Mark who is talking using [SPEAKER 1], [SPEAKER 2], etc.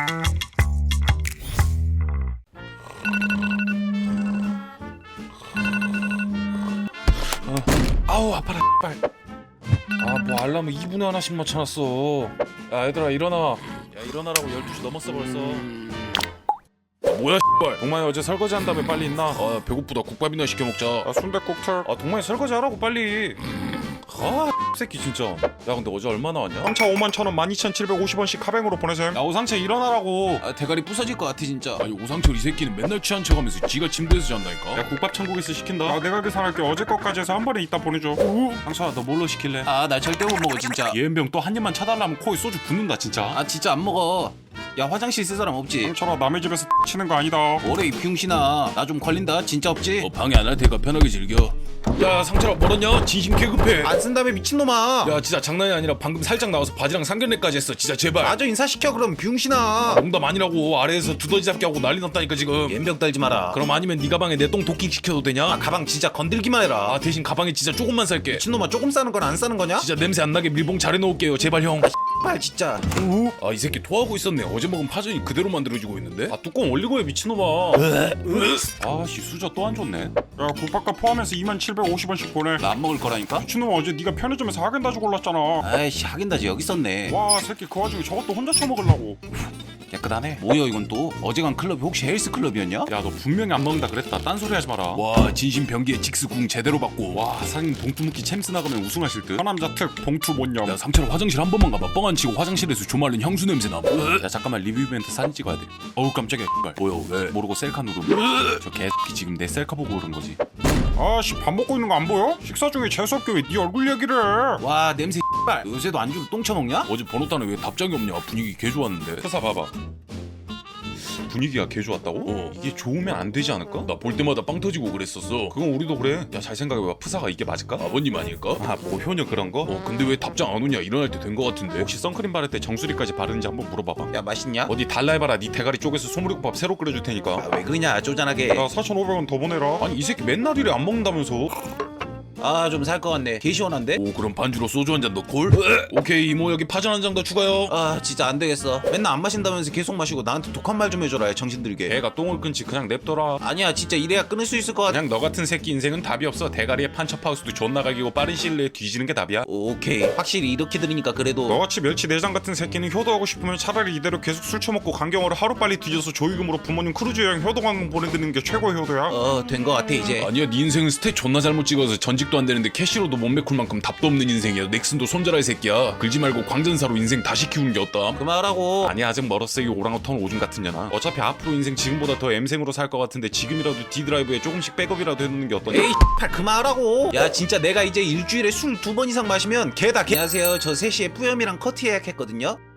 [SPEAKER 1] 아우 아파라 빨. 뭐 알람을 2분에 하나씩 맞춰놨어. 야 얘들아 일어나. 야 일어나라고. 12시 넘었어 벌써. 뭐야 씨발. 동만이 어제 설거지 한 다음에 빨리 있나? 배고프다. 국밥이나 시켜 먹자. 순댓국 틀. 동만이 설거지 하라고 빨리. 새끼 진짜. 야 근데 어제 얼마 나왔냐?
[SPEAKER 2] 상차 51,000원 12,750원씩 카뱅으로 보내셈.
[SPEAKER 1] 야 오상철 일어나라고.
[SPEAKER 3] 대가리 부서질 것 같아 진짜. 아니 오상철 이 새끼는 맨날 취한 척하면서 지가 침대에서 잔다니까.
[SPEAKER 2] 야 국밥 천국에서 시킨다. 내가 계산할게. 어제 것까지 해서 한 번에 이따 보내줘.
[SPEAKER 1] 상철아 너 뭘로 시킬래?
[SPEAKER 3] 나 절대 못 먹어 진짜.
[SPEAKER 1] 예은병 또 한 입만 차달라면 코에 소주 붓는다 진짜.
[SPEAKER 3] 진짜 안 먹어. 야 화장실 쓸 사람 없지?
[SPEAKER 2] 상철아 남의 집에서 치는 거 아니다.
[SPEAKER 3] 뭐래 이 병신아. 나 좀 걸린다. 진짜 없지?
[SPEAKER 1] 방해 안 할 테니까 편하게 즐겨. 야 상철아 멀었냐? 진심 개급해.
[SPEAKER 3] 안 쓴다며 미친놈아.
[SPEAKER 1] 야 진짜 장난이 아니라 방금 살짝 나와서 바지랑 상견례까지 했어. 진짜 제발.
[SPEAKER 3] 마저 인사시켜 그럼 병신아.
[SPEAKER 1] 농담 아니라고. 아래에서 두더지 잡기 하고 난리 났다니까 지금.
[SPEAKER 3] 연병 떨지 마라.
[SPEAKER 1] 그럼 아니면 네 가방에 내 똥 도킹 시켜도 되냐?
[SPEAKER 3] 가방 진짜 건들기만 해라.
[SPEAKER 1] 대신 가방에 진짜 조금만 살게.
[SPEAKER 3] 미친놈아 조금 싸는 건 안 싸는 거냐?
[SPEAKER 1] 진짜 냄새 안 나게 밀봉 잘 해놓을게요 제발 형.
[SPEAKER 3] 빨 진짜.
[SPEAKER 1] 이 새끼 토하고 있었네. 어제 먹은 파전이 그대로 만들어지고 있는데. 뚜껑 올리고 해 미친놈아. 씨 수저 또 안 좋네.
[SPEAKER 2] 야 국밥값 포함해서 2750원씩 보내.
[SPEAKER 3] 나 안 먹을 거라니까?
[SPEAKER 2] 미친놈아 어제 네가 편의점에서 하겐다즈 골랐잖아.
[SPEAKER 3] 아이씨 하긴다지 여기 있었네.
[SPEAKER 2] 와 새끼 그 와중에 저것도 혼자 처먹으려고.
[SPEAKER 1] 깨끗하네.
[SPEAKER 3] 뭐야 이건 또? 어제 간 클럽이 혹시 헬스 클럽이었냐?
[SPEAKER 1] 야 너 분명히 안 먹는다 그랬다. 딴소리 하지 마라. 와 진심 변기에 직스궁 제대로 받고. 와 사장님 봉투 챔스 나가면 우승하실 듯.
[SPEAKER 2] 하남자 특 봉투 못념.
[SPEAKER 1] 야 상철아 화장실 한 번만 가봐. 뻥 안 치고 화장실에서 조말린 향수 냄새 나. 야 잠깐만 리뷰 이벤트 사진 찍어야 돼. 어우 깜짝이야. 뭐야 왜? 모르고 셀카 누름. 저 개새끼 지금 내 셀카 보고 그런 거지.
[SPEAKER 2] 아씨 밥 먹고 있는 거 안 보여? 식사 중에 재수없게 왜 네 얼굴 얘기를 해?
[SPEAKER 3] 와 냄새 X발. 요새도 안주로 똥 처먹냐?
[SPEAKER 1] 어제 번호 따는 왜 답장이 없냐. 분위기 개 좋았는데. 회사 봐봐. 분위기가 개 좋았다고? 이게 좋으면 안 되지 않을까? 나 볼 때마다 빵 터지고 그랬었어. 그건 우리도 그래. 야 잘 생각해봐. 프사가 이게 맞을까? 아버님 아닐까? 뭐 효녀 그런 거? 근데 왜 답장 안 오냐. 일어날 때 된 거 같은데. 혹시 선크림 바를 때 정수리까지 바르는지 한번 물어봐봐.
[SPEAKER 3] 야 맛있냐?
[SPEAKER 1] 어디 달라 해봐라. 네 대가리 쪼개서 소머리국밥 새로 끓여줄 테니까.
[SPEAKER 3] 왜 그러냐 쪼잔하게.
[SPEAKER 2] 야 4,500원 더 보내라.
[SPEAKER 1] 아니 이 새끼 맨날 이래 안 먹는다면서.
[SPEAKER 3] 좀 살 것 같네. 개 시원한데?
[SPEAKER 1] 그럼 반주로 소주 한 잔 넣고. 오케이 이모 여기 파전 한 잔 더 추가요.
[SPEAKER 3] 진짜 안 되겠어. 맨날 안 마신다면서 계속 마시고 나한테 독한 말 좀 해줘라 정신들게.
[SPEAKER 1] 걔가 똥을 끊지 그냥 냅둬라.
[SPEAKER 3] 아니야 진짜 이래야 끊을 수 있을 것 같아.
[SPEAKER 1] 그냥 너 같은 새끼 인생은 답이 없어. 대가리에 판첩하우스도 존나 가기고 빠른 시일 내에 뒤지는 게 답이야.
[SPEAKER 3] 오케이 확실히 이렇게 들으니까 그래도.
[SPEAKER 2] 너같이 멸치 내장 같은 새끼는 효도하고 싶으면 차라리 이대로 계속 술 처먹고 강경어를 하루빨리 뒤져서 조의금으로 부모님 크루즈 여행 효도관광 보내드리는 게 최고의 효도야.
[SPEAKER 3] 된 것 같아 이제.
[SPEAKER 1] 아니야 네 인생은 스탯 존나 잘못 찍어서 전직도 안 되는데 캐시로도 못 메꿀 만큼 답도 없는 인생이야. 넥슨도 손절할 새끼야. 긁지 말고 광전사로 인생 다시 키우는 게 어따?
[SPEAKER 3] 그만하라고.
[SPEAKER 1] 아니야 아직 멀었어 이 오랑우탄 오줌 같은 년아. 어차피 앞으로 인생 지금보다 더 M생으로 살 것 같은데 지금이라도 D드라이브에 조금씩 백업이라도 해놓는 게 어떠냐?
[SPEAKER 3] 에이 그만하라고. 야 진짜 내가 이제 일주일에 술 2번 이상 마시면 개다 개. 안녕하세요 저 3시에 뿌염이랑 커트 예약했거든요.